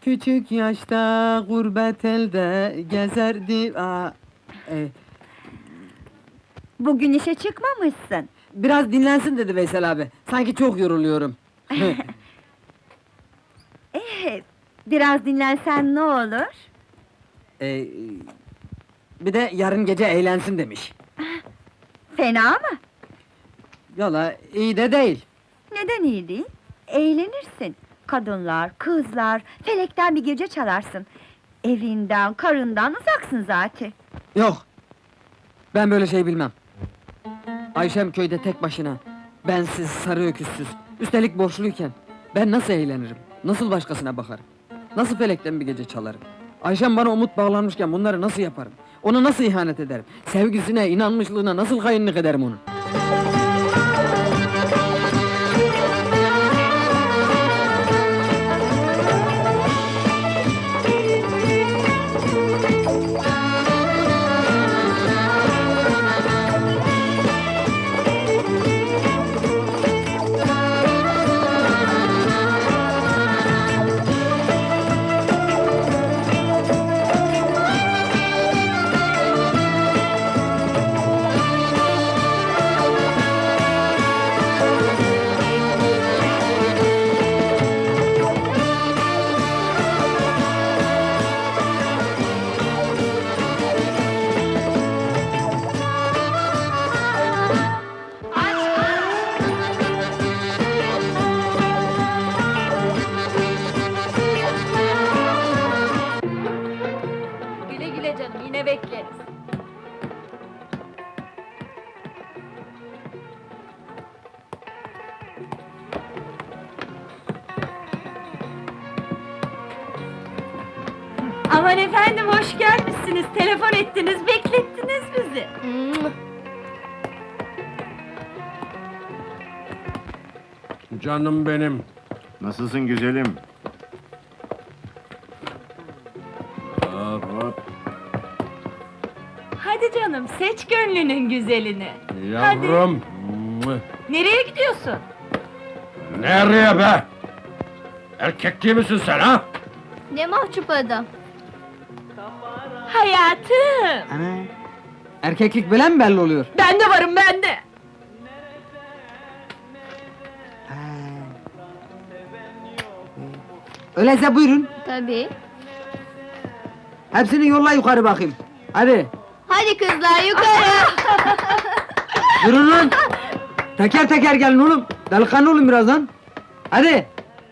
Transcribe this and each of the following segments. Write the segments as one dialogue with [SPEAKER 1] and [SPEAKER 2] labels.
[SPEAKER 1] Küçük yaşta gurbet elde gezerdi...
[SPEAKER 2] Bugün işe çıkmamışsın.
[SPEAKER 1] Biraz dinlensin dedi Veysel abi. Sanki çok yoruluyorum.
[SPEAKER 2] Biraz dinlensen ne olur?
[SPEAKER 1] Ee, Bir de yarın gece eğlensin demiş.
[SPEAKER 2] Fena mı?
[SPEAKER 1] Yola iyi de değil.
[SPEAKER 2] Neden iyi değil? Eğlenirsin. Kadınlar, kızlar, felekten bir gece çalarsın. Evinden, karından uzaksın zaten.
[SPEAKER 1] Yok. Ben böyle şey bilmem. Ayşem köyde tek başına. Bensiz, sarı öküzsüz. Üstelik borçluyken. Ben nasıl eğlenirim? Nasıl başkasına bakarım? Nasıl felekten bir gece çalarım? Ayşem bana umut bağlanmışken bunları nasıl yaparım? Ona nasıl ihanet ederim? Sevgisine, inanmışlığına nasıl hainlik ederim onun?
[SPEAKER 3] Güle güle canım, yine bekleriz. Aman efendim, hoş gelmişsiniz. Telefon ettiniz, beklettiniz bizi.
[SPEAKER 4] Canım benim.
[SPEAKER 5] Nasılsın güzelim?
[SPEAKER 4] Hop hop.
[SPEAKER 3] Hadi canım, seç gönlünün güzelini.
[SPEAKER 4] Yavrum.
[SPEAKER 3] Nereye gidiyorsun?
[SPEAKER 4] Nereye be? Erkek değil misin sen ha?
[SPEAKER 6] Ne mahcup adam.
[SPEAKER 3] Hayatım!
[SPEAKER 1] Ana! Erkeklik böyle mi belli oluyor?
[SPEAKER 3] Ben de varım, ben de!
[SPEAKER 1] Öyleyse buyurun.
[SPEAKER 6] Tabii.
[SPEAKER 1] Hepsini yolla yukarı bakayım. Hadi.
[SPEAKER 6] Hadi kızlar yukarı.
[SPEAKER 1] Durun lan! Teker teker gelin oğlum! Delikanlı olun birazdan! Hadi!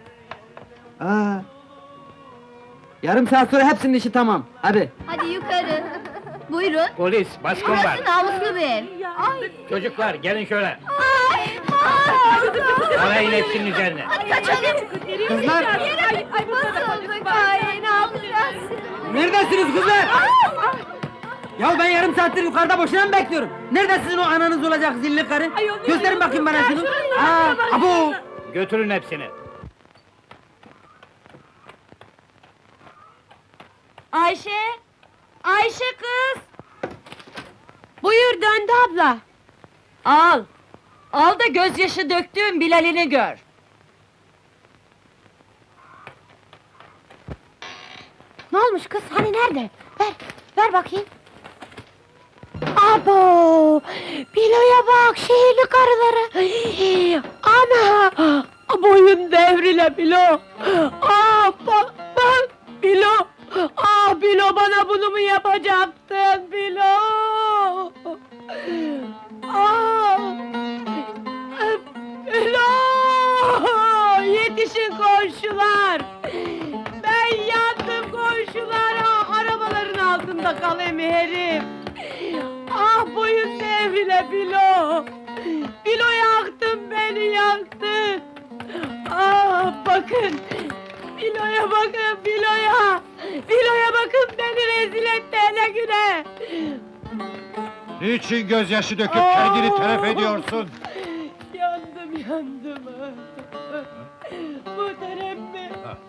[SPEAKER 1] Yarım saat sonra hepsinin işi tamam, hadi!
[SPEAKER 6] Hadi yukarı. Buyurun.
[SPEAKER 7] Polis, baskın var.
[SPEAKER 6] Burası namuslu bir ev. Ay.
[SPEAKER 7] Çocuklar, gelin şöyle.
[SPEAKER 6] Ay.
[SPEAKER 7] Arayın hepsinin üzerine.
[SPEAKER 6] Hadi kaçalım.
[SPEAKER 1] Kızlar!
[SPEAKER 6] Ay basıldık. Ay ne yapacağız?
[SPEAKER 1] Neredesiniz kızlar? Ya ben yarım saattir yukarıda boşuna mı bekliyorum? Nerede sizin o ananız olacak zilli karı? Gösterin bakayım bana şunu! Abo!
[SPEAKER 7] Götürün hepsini.
[SPEAKER 3] Ayşe! Ayşe kız! Buyur döndü abla! Al! Al da gözyaşı döktüğün Bilal'ini gör!
[SPEAKER 6] Ne olmuş kız? Hani nerede? Ver bakayım. Abo! Bilo'ya bak, şehirli karıları! Ana! Boyun devrile Bilo! Bak! Bilo! Bilo bana bunu mu yapacaktın Bilo? Bilo! Yetişin komşular! Ben yandım komşular! Arabaların altında kalayım herif! Boyun devrile Bilo! Bilo yaktın beni, yaktın! Bakın! Bilo'ya bakın, Bilo'ya! Bilo'ya bakın, beni rezil etti hele güne!
[SPEAKER 5] Niçin gözyaşı döküp kendini telef ediyorsun?
[SPEAKER 6] Yandım! Muhterem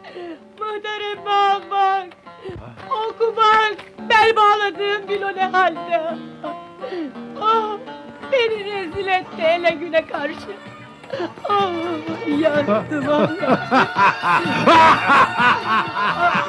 [SPEAKER 6] al bak! Oku bak! Bel bağladığım Bilo ne halde? Beni rezil etti hele güne karşı! Yandım Allah!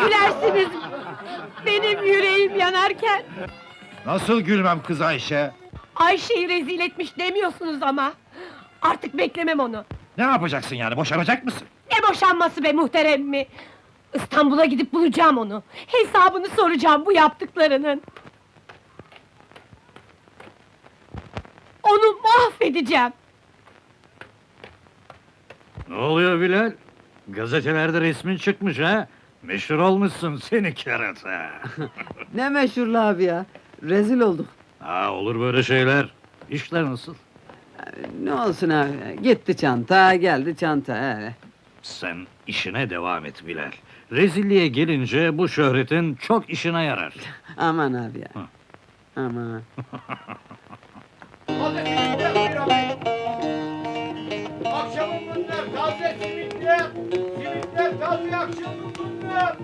[SPEAKER 6] gülersiniz benim yüreğim yanarken?
[SPEAKER 5] Nasıl gülmem kız Ayşe?
[SPEAKER 6] Ayşe'yi rezil etmiş demiyorsunuz ama. Artık beklemem onu.
[SPEAKER 5] Ne yapacaksın yani, boşanacak mısın?
[SPEAKER 6] Ne boşanması be muhterem mi? İstanbul'a gidip bulacağım onu. Hesabını soracağım bu yaptıklarının. Onu mahvedeceğim.
[SPEAKER 7] Ne oluyor Bilal? Gazetelerde resmin çıkmış ha? Meşhur olmuşsun seni kerata.
[SPEAKER 1] Ne meşhurlu abi ya. Rezil olduk.
[SPEAKER 7] Ha olur böyle şeyler. İşler nasıl?
[SPEAKER 1] Ne olsun abi. Gitti çanta, geldi çanta.
[SPEAKER 7] Sen işine devam et Bilal. Rezilliğe gelince bu şöhretin çok işine yarar.
[SPEAKER 1] Aman abi ya.
[SPEAKER 7] Hı.
[SPEAKER 1] Aman.
[SPEAKER 5] Akşamın bunlar, taze simitler! Simitler taze, akşamın bunlar!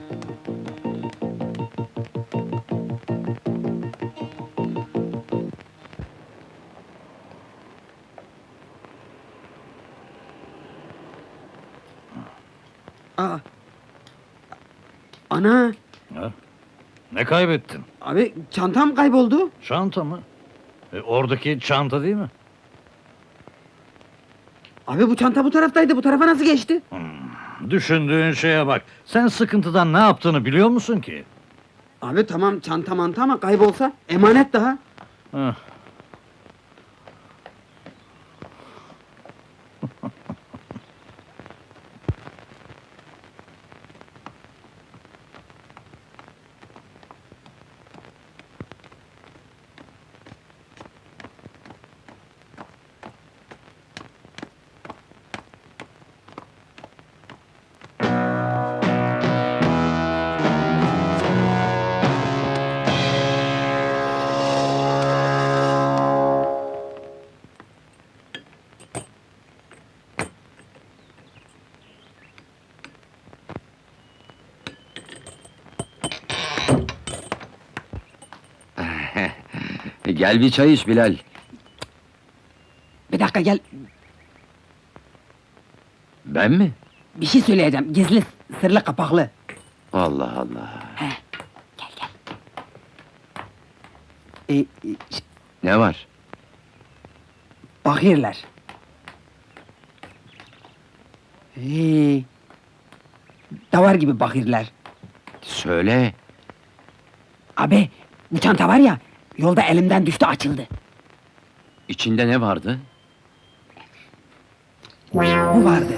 [SPEAKER 1] Aa. Ana.
[SPEAKER 7] Ne kaybettin?
[SPEAKER 1] Abi çantam kayboldu.
[SPEAKER 7] Çanta mı? Oradaki çanta değil mi?
[SPEAKER 1] Abi bu çanta bu taraftaydı. Bu tarafa nasıl geçti?
[SPEAKER 7] Düşündüğün şeye bak. Sen sıkıntıdan ne yaptığını biliyor musun ki?
[SPEAKER 1] Abi tamam çanta manta ama kaybolsa emanet daha.
[SPEAKER 7] Heh.
[SPEAKER 4] Gel bir çay iç Bilal.
[SPEAKER 1] Bir dakika gel.
[SPEAKER 4] Ben mi?
[SPEAKER 1] Bir şey söyleyeceğim. Gizli, sırlı, kapaklı.
[SPEAKER 4] Allah Allah. Ne var?
[SPEAKER 1] Bakırlar. Davar gibi bakırlar.
[SPEAKER 4] Söyle.
[SPEAKER 1] Abi bu çanta var ya, yolda elimden düştü açıldı.
[SPEAKER 4] İçinde ne vardı?
[SPEAKER 1] Bu vardı.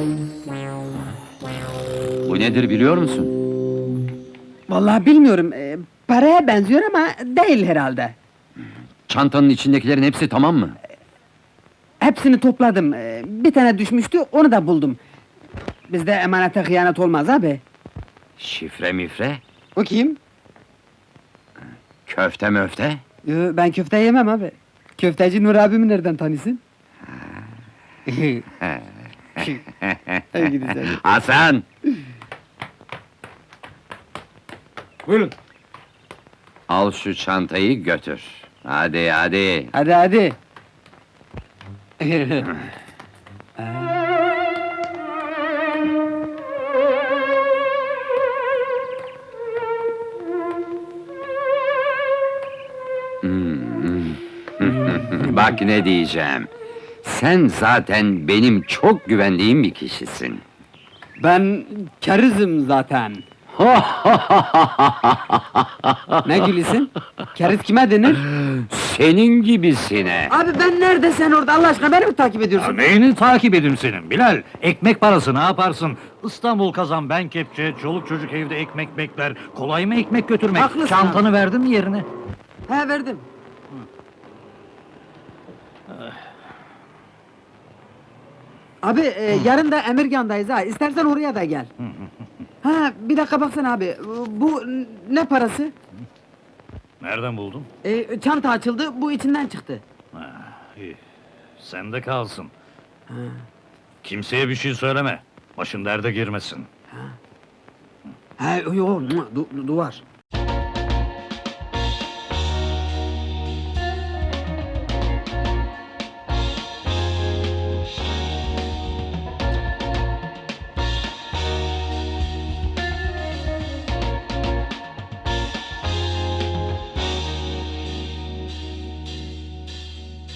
[SPEAKER 4] Bu nedir biliyor musun?
[SPEAKER 1] Vallahi bilmiyorum. Paraya benziyor ama değil herhalde.
[SPEAKER 4] Çantanın içindekilerin hepsi tamam mı?
[SPEAKER 1] Hepsini topladım. Bir tane düşmüştü, onu da buldum. Bizde emanete hıyanet olmaz abi.
[SPEAKER 4] Şifre mifre,
[SPEAKER 1] O kim?
[SPEAKER 4] köfte möfte.
[SPEAKER 1] Ben köfte yemem abi. Köfteci Nur abimi nereden tanısın? Hadi gidin sen.
[SPEAKER 4] Hasan!
[SPEAKER 7] Buyurun.
[SPEAKER 4] Al şu çantayı götür. Hadi hadi.
[SPEAKER 1] Hadi hadi.
[SPEAKER 4] Bak ne diyeceğim. Sen zaten benim çok güvendiğim bir kişisin.
[SPEAKER 1] Ben kerizim zaten. Ne gülüyorsun? Keriz kime denir?
[SPEAKER 4] Senin gibisine.
[SPEAKER 1] Abi ben nerede sen orada Allah aşkına beni mi takip
[SPEAKER 7] Ya
[SPEAKER 1] ediyorsun?
[SPEAKER 7] neyini takip edeyim senin Bilal? Ekmek parası ne yaparsın? İstanbul kazan ben kepçe, çoluk çocuk evde ekmek bekler. Kolay mı ekmek götürmek?
[SPEAKER 1] Haklısın
[SPEAKER 7] Çantanı verdin mi yerine?
[SPEAKER 1] He verdim. Abi yarın da Emirgan'dayız ha. İstersen oraya da gel. Ha bir dakika baksana abi. Bu ne parası?
[SPEAKER 7] Nereden buldun?
[SPEAKER 1] Çanta açıldı, bu içinden çıktı.
[SPEAKER 7] İyi. Sende kalsın. Kimseye bir şey söyleme. Başın derde girmesin.
[SPEAKER 1] He yo, duvar.